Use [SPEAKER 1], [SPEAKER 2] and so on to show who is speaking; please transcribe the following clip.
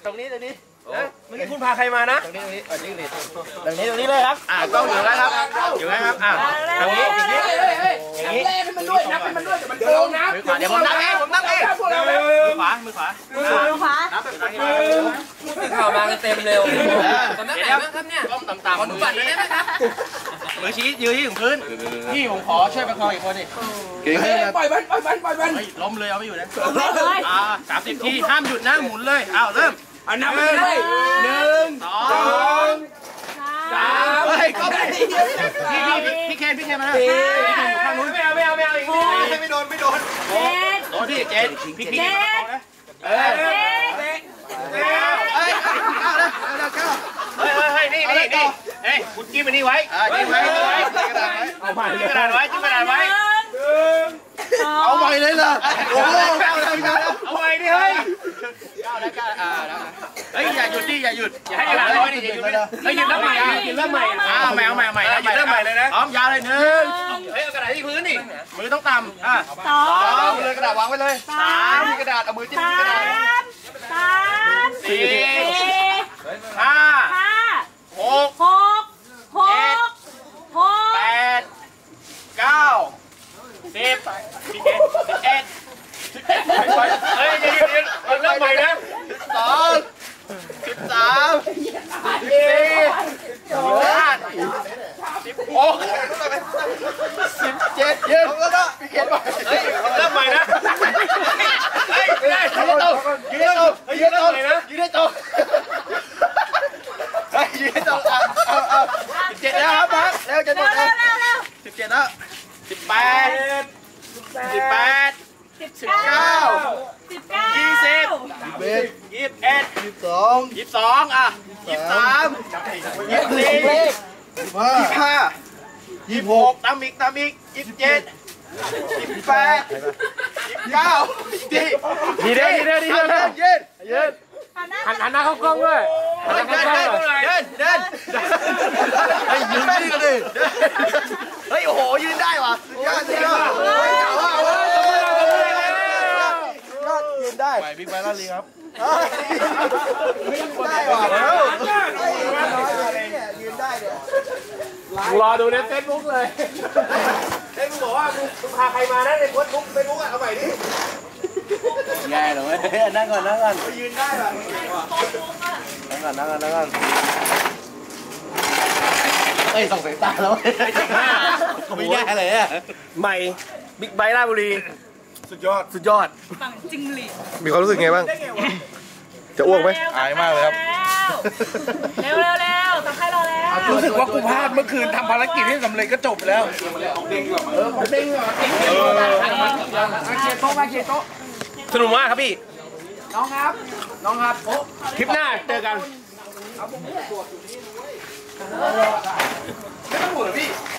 [SPEAKER 1] ตรงนี้เมื่อกี้คุณพาใครมานะตรงนี้ตรงนี้เลยครับกล้องอยู่แล้วครับอยู่แล้วครับตรงนี้อย่างนี้นับให้มันด้วยเดี๋ยวมันโกงนะเดี๋ยวผมนับเองมือขวานับแบบนี้ข่าวมากันเต็มเร็วตำแหน่งไหนบ้างครับเนี่ยก้มต่ำๆขอดูบัตรหน่อยได้ไหมครับมือชี้ยืนที่ถึงพื้นพี่ผมขอช่วยประคองอีกคนดิปล่อยมันล้มเลยเอาไม่อยู่นะ30 ทีห้ามหยุดนะหมุนเลยเริ่มนับเลย1 2 3ก็ไม่พี่เคนมาแล้วพี่เคนอยู่ข้างนู้นไม่เอาอีกไม่โดนโดนพี่เจนพี่เนี่คุณจิ้มอันนี้ไว้จิ้มไว้กระดาษไว้เอาไว้เลยเหรอโอ้โหเอาไว้ดิเฮ้ยอย่าหยุดดิอย่าหยุดอย่าให้กระดาษลอยดิหยุดเริ่มใหม่เอาใหม่เลยนะพร้อมยาวเลยเอากระดาษที่พื้นดิมือต้องต่ำ2เลยกระดาษวางไว้เลย3มีกระดาษเอามือจิ้มกระดาษ4 5 6 7 8 9 10พี่เกศ11เฮ้ยเริ่มใหม่นะ12 13 14 15 16 17ยืนพี่เกศเฮ้ยเริ่มใหม่นะเฮ้ยไม่ได้ยืนได้ตรงยืนได้ตรง17แล้วครับมาแล้วจะหมดแล้ว17แล้ว18 19 20 21 22 23 24 26ตามอีก27 28 29ดีเด้ยืนหันหน้าเข้ากล้องด้วยเดินให้ยืนนี่กันดิเฮ้ยโอ้โหยืนได้ว่ะยอดยืนได้ไปบิ๊กไบค์ลาลีครับได้ว่ะยืนได้เนี่ยรอดูในเฟซบุ๊กเลยมึงบอกว่ามึงพาใครมานะในเฟซบุ๊กเอาใหม่ดิแย่เลยนั่งก่อนยืนได้ป่ะนั่งก่อนเอ้ยส่องสายตาแล้วไม่แย่เลยอ่ะใหม่บิ๊กไบค์ราชบุรีสุดยอดปังจริงหลีมีความรู้สึกไงบ้างจะอ้วกไหมอายมากเลยครับ
[SPEAKER 2] เร็วทำให้รอแล้ว
[SPEAKER 1] รู้สึกว่ากูพลาดเมื่อคืนทำภารกิจให้สำเร็จก็จบแล้วเด้งเหรอเชียร์โต๊ะสนุกมากครับพี่น้องครับคลิปหน้าเจอกันไม่ต้องห่วงพี่